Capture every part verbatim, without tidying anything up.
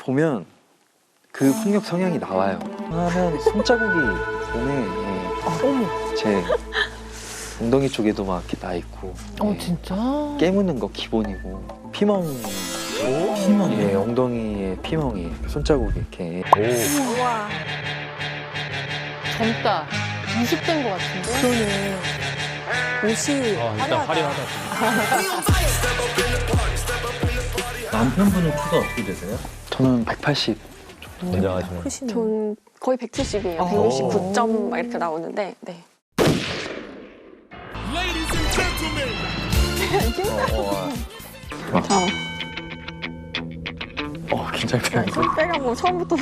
보면 그 폭력 성향이 나와요. 하면 손자국이 몸에 예, 제 엉덩이 쪽에도 막 이렇게 나 있고. 어 예, 진짜? 깨무는 거 기본이고 피멍. 오? 피멍이? 예, 엉덩이에 피멍이 손자국이 이렇게. 오. 우와. 젊다. 이십 대인 것 같은데? 그러네. 옷이 아, 일단 화려하다. 화려하다. 남편분은 키가 어떻게 되세요? 저는 백팔십 정도 됩니다. 굉장하시네. 크시네. 전 거의 백칠십이에요. 어. 백육십구 점 막 이렇게 나오는데, 네. 어, 어, 저, 어, 긴장돼요. 손빼가 뭐 처음부터.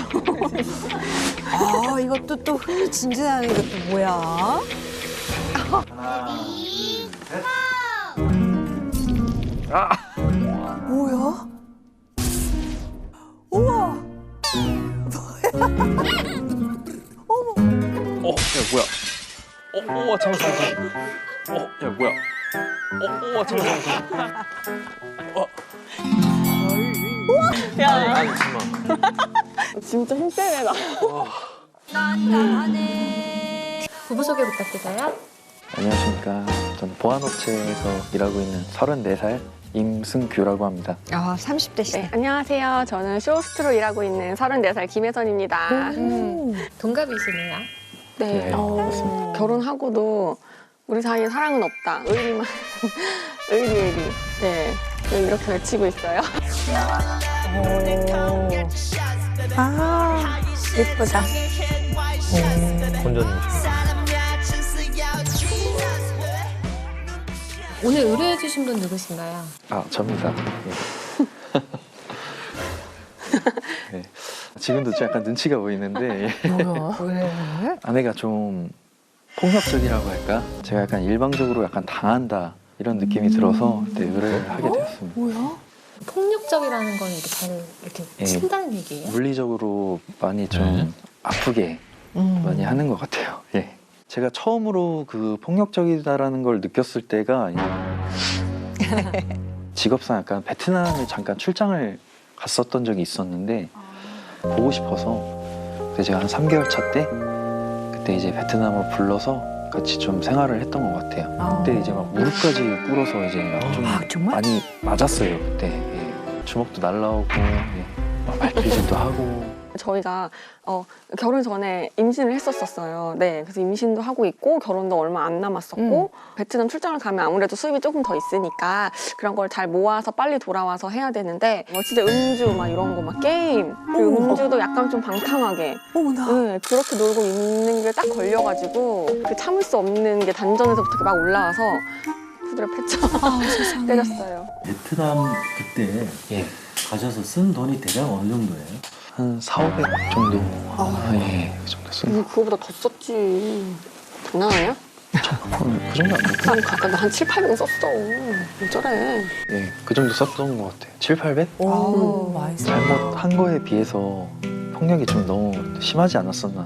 아, 이것도 또 흥미진진하네. 이것도 뭐야? 아! 뭐야? 우와! 어, 야, 뭐야? 어, 어, 잠깐, 잠깐. 어, 야, 뭐야? 어, 어, 잠깐, 잠깐. 어. 야, 아니, 잠깐만. 진짜 힘세네, 나. 부부 소개 부탁드려요. 안녕하십니까. 저는 보안업체에서 일하고 있는 서른네 살 임승규라고 합니다. 아, 삼십 대시네. 네, 안녕하세요. 저는 쇼호스트로 일하고 있는 서른네 살 김혜선입니다. 음. 동갑이시네요. 네, 네, 어, 맞습니다. 결혼하고도 우리 사이에 사랑은 없다. 의리만, 의리, 의리. 네, 네, 이렇게 외치고 있어요. 아, 예쁘다. 혼자님. 오늘 의뢰해주신 분 누구신가요? 아, 접니다. 예. 네. 지금도 좀 약간 눈치가 보이는데 예. 뭐야? 왜? 아내가 좀 폭력적이라고 할까? 제가 약간 일방적으로 약간 당한다 이런 느낌이 들어서 네, 의뢰를 하게 되었습니다. 뭐야? 폭력적이라는 건 이렇게 잘 이렇게 예. 친다는 얘기예요? 물리적으로 많이 좀 네. 아프게 음. 많이 하는 것 같아요. 예. 제가 처음으로 그 폭력적이다라는 걸 느꼈을 때가 직업상 약간 베트남에 잠깐 출장을 갔었던 적이 있었는데 보고 싶어서 그때 제가 한 삼 개월 차 때 그때 이제 베트남으로 불러서 같이 좀 생활을 했던 것 같아요. 그때 이제 막 무릎까지 꿇어서 이제 막 좀 아, 정말? 많이 맞았어요. 그때 예. 주먹도 날라오고 예. 막 발길질도 하고. 저희가 어, 결혼 전에 임신을 했었었어요. 네, 그래서 임신도 하고 있고 결혼도 얼마 안 남았었고 베트남 출장을 가면 아무래도 수입이 조금 더 있으니까 그런 걸 잘 모아서 빨리 돌아와서 해야 되는데 뭐 진짜 음주 막 이런 거 막 게임 그리고 어머. 음주도 약간 좀 방탕하게 어머나. 네, 그렇게 놀고 있는 게 딱 걸려가지고 그 참을 수 없는 게 단전에서부터 막 올라와서 후드려 패쳐 아, 세상에. 때렸어요. 베트남 그때 예. 가셔서 쓴 돈이 대략 어느 정도예요? 한 사오백 정도. 아. 예, 그 정도 쓴 음, 그거보다 더 썼지. 장난 아니야? 그 정도 안 됐고. 한 가까이 한 칠, 팔백 썼어. 어쩌래. 예, 그 정도 썼던 것 같아요. 칠, 팔백? 오, 많이 써. 잘못한 거에 비해서 폭력이 좀 너무 심하지 않았었나.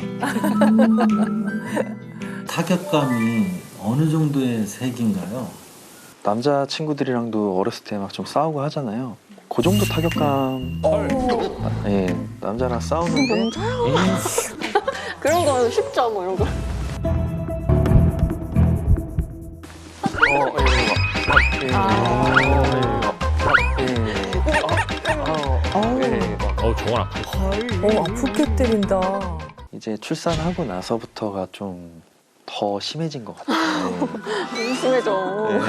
타격감이 어느 정도의 색인가요? 남자 친구들이랑도 어렸을 때 막 좀 싸우고 하잖아요. 그 정도 타격감. 아, 예, 남자랑 싸우는데. 남자야? 그런 거 쉽죠, 뭐 이런 거. 어, 예, 막, 예, 예, 예, 어, 어, 예, 막. 어, 정말 아프다. 어, 아프게 때린다. 이제 출산하고 나서부터가 좀 더 심해진 것 같아요. 예. 심해져. 네.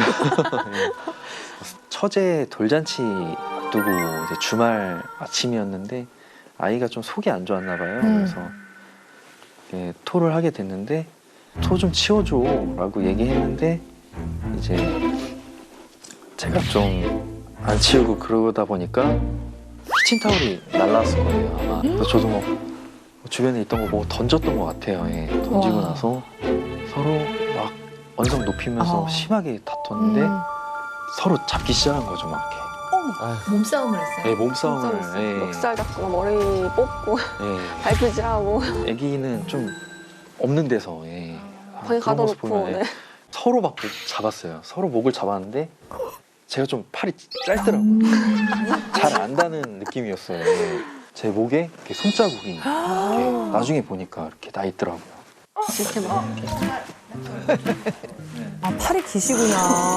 처제 돌잔치 앞두고 이제 주말 아침이었는데 아이가 좀 속이 안 좋았나 봐요. 음. 그래서 예, 토를 하게 됐는데 토 좀 치워줘라고 얘기했는데 이제 제가 좀 안 치우고 그러다 보니까 키친타올이 날라왔을 거예요 아마. 그래서 저도 뭐 주변에 있던 거 뭐 던졌던 것 같아요. 예, 던지고 와. 나서 서로 막 언성 높이면서 아. 심하게 다퉜는데 음. 서로 잡기 시작한 거죠, 막 몸싸움을 이렇게. 했어요? 예, 몸싸움을. 싸움했어. 예, 멱살 잡고 막 머리 뽑고 예. 발표질하고 아기는 좀 없는 데서 예. 아, 방에 그런 모습 가둬놓고. 보면, 예. 네. 서로 막 잡았어요. 서로 목을 잡았는데 제가 좀 팔이 짧더라고요. 잘 안다는 느낌이었어요. 예. 제 목에 이렇게 손자국이 이렇게 나중에 보니까 이렇게 나 있더라고요. 이렇게 막 아, 팔이 기시구나.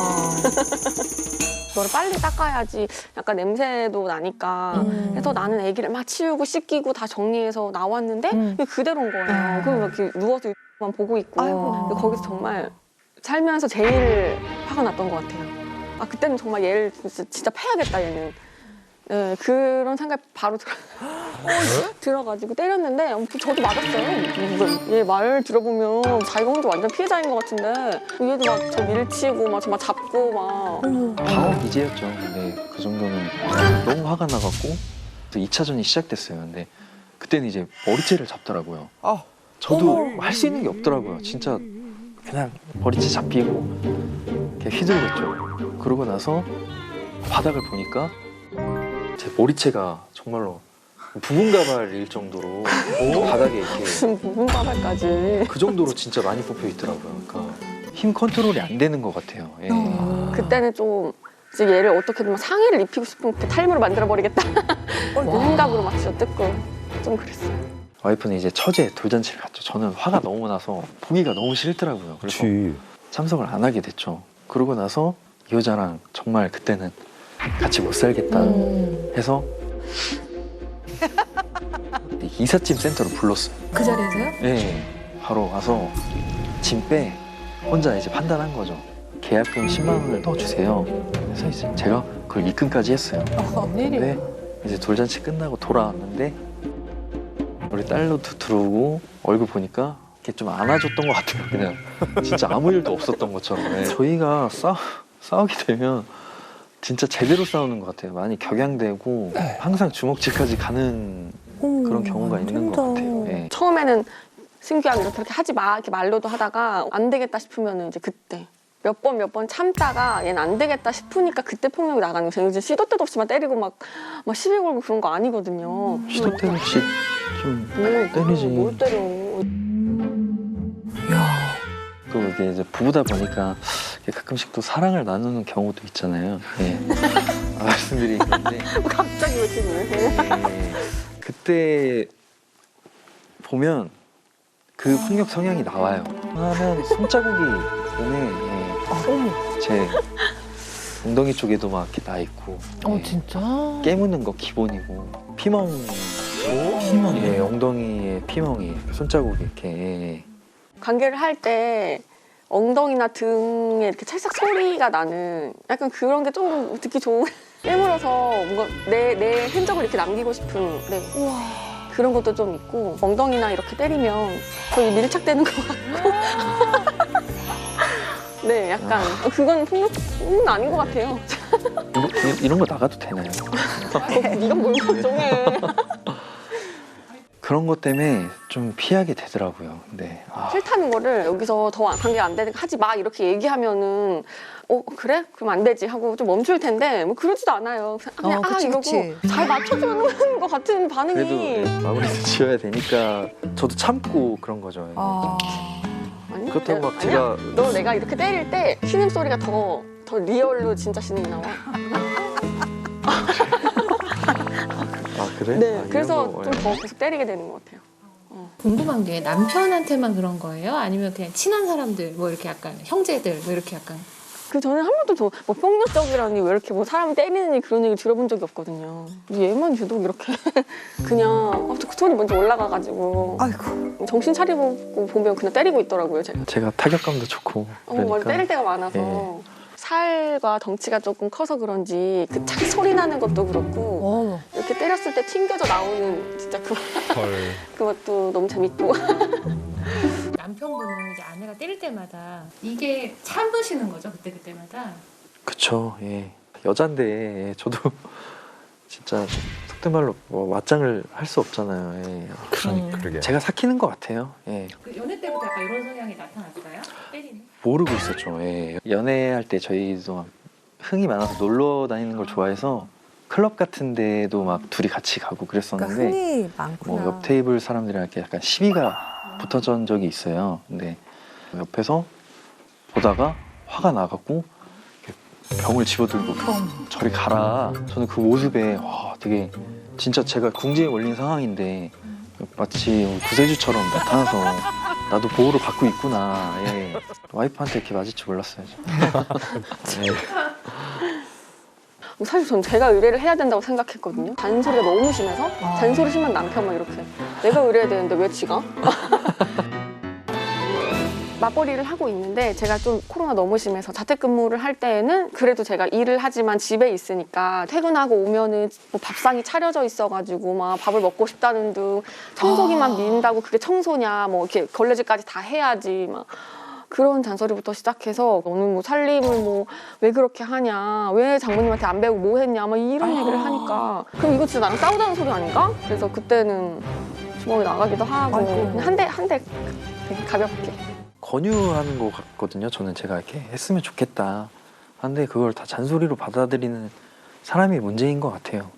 너를 빨리 닦아야지 약간 냄새도 나니까 음. 그래서 나는 아기를 막 치우고 씻기고 다 정리해서 나왔는데 음. 이게 그대로인 거예요. 그럼 이렇게 누워서 만 보고 있고 아이고. 근데 거기서 정말 살면서 제일 화가 났던 것 같아요. 아 그때는 정말 얘를 진짜, 진짜 패야겠다 얘는. 네, 그런 생각이 바로 들어, 들어가지고 때렸는데 저도 맞았어요. 얘 말 들어보면 자기가 혼자 완전 피해자인 것 같은데 얘도 막 저 밀치고 막 저 막 잡고 막 방어 기제였죠. 근데 그 정도는 너무 화가 나갖고 또 이 차전이 시작됐어요. 근데 그때는 이제 머리채를 잡더라고요. 저도 할 수 있는 게 없더라고요. 진짜 그냥 머리채 잡히고 이렇게 휘둘렀죠. 그러고 나서 바닥을 보니까 제 머리채가 정말로 부분 가발일 정도로 바닥에 이렇게 무슨 부분 가발까지. 그 정도로 진짜 많이 뽑혀 있더라고요. 그러니까 힘 컨트롤이 안 되는 것 같아요. 예. 그때는 좀 이제 얘를 어떻게든 막 상의를 입히고 싶은 그 탈모를 만들어 버리겠다. 생각으로 막 진짜 뜯고 좀 그랬어요. 와이프는 이제 처제 돌잔치를 갔죠. 저는 화가 너무 나서 보기가 너무 싫더라고요. 그래서 참석을 안 하게 됐죠. 그러고 나서 이 여자랑 정말 그때는 같이 못 살겠다 해서 이삿짐 센터로 불렀어요. 그 자리에서요? 네, 바로 와서 짐 빼 혼자 이제 판단한 거죠. 계약금 십만 원을 넣어주세요. 그래서 이제 제가 그걸 입금까지 했어요. 근데 이제 돌잔치 끝나고 돌아왔는데 우리 딸도 들어오고 얼굴 보니까 이렇게 좀 안아줬던 것 같아요. 그냥 진짜 아무 일도 없었던 것처럼. 네. 저희가 싸, 싸우게 되면 진짜 제대로 싸우는 것 같아요. 많이 격양되고 항상 주먹질까지 가는 그런 경우가 있는 것 같아요. 예. 처음에는 승규야 이렇게 이렇게 하지 마 이렇게 말로도 하다가 안 되겠다 싶으면 이제 그때 몇 번 몇 번 참다가 얘는 안 되겠다 싶으니까 그때 폭력이 나가는 거죠. 요즘 시도 때도 없이 막 때리고 막, 막 시비 걸고 그런 거 아니거든요. 시도 때 없이 좀 뭘, 때리지. 뭘 때려. 또 이게 이제 부부다 보니까 가끔씩 또 사랑을 나누는 경우도 있잖아요. 예. 아, 말씀드리기 그런데 갑자기 왜 이렇게 그래? 예. 그때 보면 그 폭력 성향이 나와요. 하면 손자국이 몸에 예. 제 엉덩이 쪽에도 막 이렇게 나 있고. 어 예. 진짜? 깨무는 거 기본이고 피멍. 피멍? 예, 엉덩이에 피멍이 손자국이 이렇게. 예. 관계를 할 때 엉덩이나 등에 이렇게 찰싹 소리가 나는 약간 그런 게 좀 듣기 좋은 깨물어서 뭔가 내, 내 흔적을 이렇게 남기고 싶은 네. 그런 것도 좀 있고 엉덩이나 이렇게 때리면 거의 밀착되는 것 같고 네 약간 그건 폭력은 아닌 것 같아요. 이거, 이- 이런 거 나가도 되나요? 네가 뭘 걱정해. 그런 것 때문에 좀 피하게 되더라고요. 근데 아, 싫다는 거를 여기서 더 관계가 안 되니까 하지 마 이렇게 얘기하면은 어 그래? 그럼 안 되지 하고 좀 멈출 텐데 뭐 그러지도 않아요. 그냥 어, 아 그치, 이러고 그치. 잘 맞춰주는 것 같은 반응이 그래도 마무리도 지어야 되니까 저도 참고 그런 거죠. 아, 아니, 그렇다고 막 아니야. 제가 너 내가 이렇게 때릴 때 신음 소리가 더, 더 리얼로 진짜 신음이 나와. 아 그래? 네, 아, 이런 그래서 거, 좀 예. 더 계속 때리게 되는 것 같아요. 궁금한 게 남편한테만 그런 거예요? 아니면 그냥 친한 사람들, 뭐 이렇게 약간 형제들, 뭐 이렇게 약간 그 저는 한 번도 더 뭐 폭력적이라니 왜 이렇게 뭐 사람 때리느니 그런 얘기 들어본 적이 없거든요. 얘만 유독 이렇게 그냥 어, 그 톤이 먼저 올라가가지고 아이고. 정신 차리고 보면 그냥 때리고 있더라고요. 제가. 제가 타격감도 좋고 어, 원래 그러니까 때릴 때가 많아서 살과 덩치가 조금 커서 그런지 그 착 소리 나는 것도 그렇고 어머. 이렇게 때렸을 때 튕겨져 나오는 진짜 그 그것도 너무 재밌고. 남편분은 이제 아내가 때릴 때마다 이게 참으시는 거죠? 그때 그때마다. 그쵸. 예. 여잔데 예, 저도 진짜 속된 말로 뭐 맞짱을 할 수 없잖아요. 예. 그러니까. 그러게. 제가 삭히는 것 같아요. 예. 그 연애 때부터 약간 이런 성향이 나타났어요? 때리는? 모르고 있었죠. 예. 연애할 때 저희도 막 흥이 많아서 놀러 다니는 걸 좋아해서 클럽 같은 데도 막 둘이 같이 가고 그러니까 그랬었는데 흥이 많구나. 뭐 옆 테이블 사람들이랑 이렇게 약간 시비가 붙어진 적이 있어요. 근데 옆에서 보다가 화가 나갖고 이렇게 병을 집어들고 저리 가라. 저는 그 모습에 와, 되게 진짜 제가 궁지에 몰린 상황인데 마치 구세주처럼 나타나서 나도 보호를 받고 있구나. 예. 와이프한테 이렇게 맞을 줄 몰랐어요. 사실 전 제가 의뢰를 해야 된다고 생각했거든요. 잔소리가 너무 심해서 잔소리 심한 남편만 이렇게 내가 의뢰해야 되는데 왜 지가? 맞벌이를 하고 있는데 제가 좀 코로나 너무 심해서 자택근무를 할 때에는 그래도 제가 일을 하지만 집에 있으니까 퇴근하고 오면은 뭐 밥상이 차려져 있어가지고 막 밥을 먹고 싶다는 둥 청소기만 민다고 그게 청소냐 뭐 이렇게 걸레질까지 다 해야지 막 그런 잔소리부터 시작해서 너는 뭐 살림을 뭐 왜 그렇게 하냐 왜 장모님한테 안 배우고 뭐 했냐 막 이런 얘기를 하니까 그럼 이거 진짜 나랑 싸우자는 소리 아닌가? 그래서 그때는 주먹이 나가기도 하고 그냥 한 대 한 대 되게 가볍게 권유하는 것 같거든요. 저는 제가 이렇게 했으면 좋겠다. 근데 그걸 다 잔소리로 받아들이는 사람이 문제인 것 같아요.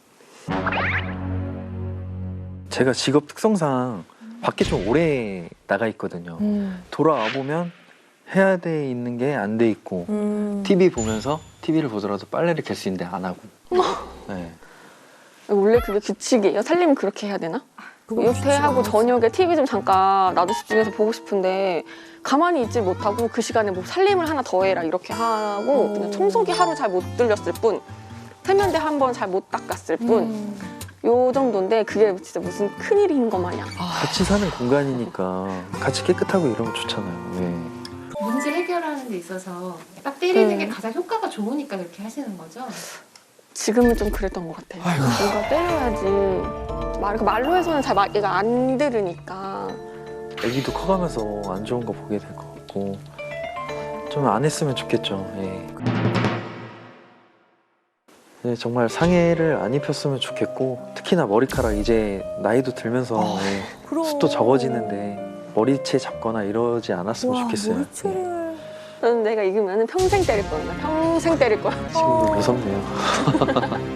제가 직업 특성상 밖에 좀 오래 나가 있거든요. 음. 돌아와 보면 해야 돼 있는 게 안 돼 있고 음. 티비 보면서 티비를 보더라도 빨래를 갤 수 있는데 안 하고. 네. 원래 그게 규칙이에요? 살림은 그렇게 해야 되나? 그거 육퇴하고 쉽지 저녁에 티비 좀 잠깐 나도 집중해서 보고 싶은데 가만히 있지 못하고 그 시간에 뭐 살림을 하나 더 해라 이렇게 하고 음. 그냥 청소기 하루 잘 못 들렸을 뿐 세면대 한 번 잘 못 닦았을 뿐 음. 요 정도인데 그게 진짜 무슨 큰일인 것 마냥 같이 사는 공간이니까 같이 깨끗하고 이러면 좋잖아요. 네. 문제 해결하는 데 있어서 딱 때리는 음. 게 가장 효과가 좋으니까 그렇게 하시는 거죠? 지금은 좀 그랬던 것 같아요. 뭔가 때려야지 말, 그 말로 해서는 잘 말, 얘가 안 들으니까 애기도 커가면서 안 좋은 거 보게 될 것 같고 좀 안 했으면 좋겠죠. 예. 네, 정말 상해를 안 입혔으면 좋겠고 특히나 머리카락 이제 나이도 들면서 예, 그럼. 숱도 적어지는데 머리채 잡거나 이러지 않았으면 와, 좋겠어요. 예. 머리채를. 저는 내가 이기면 평생 때릴 거야. 평생 때릴 거야. 지금도 무섭네요.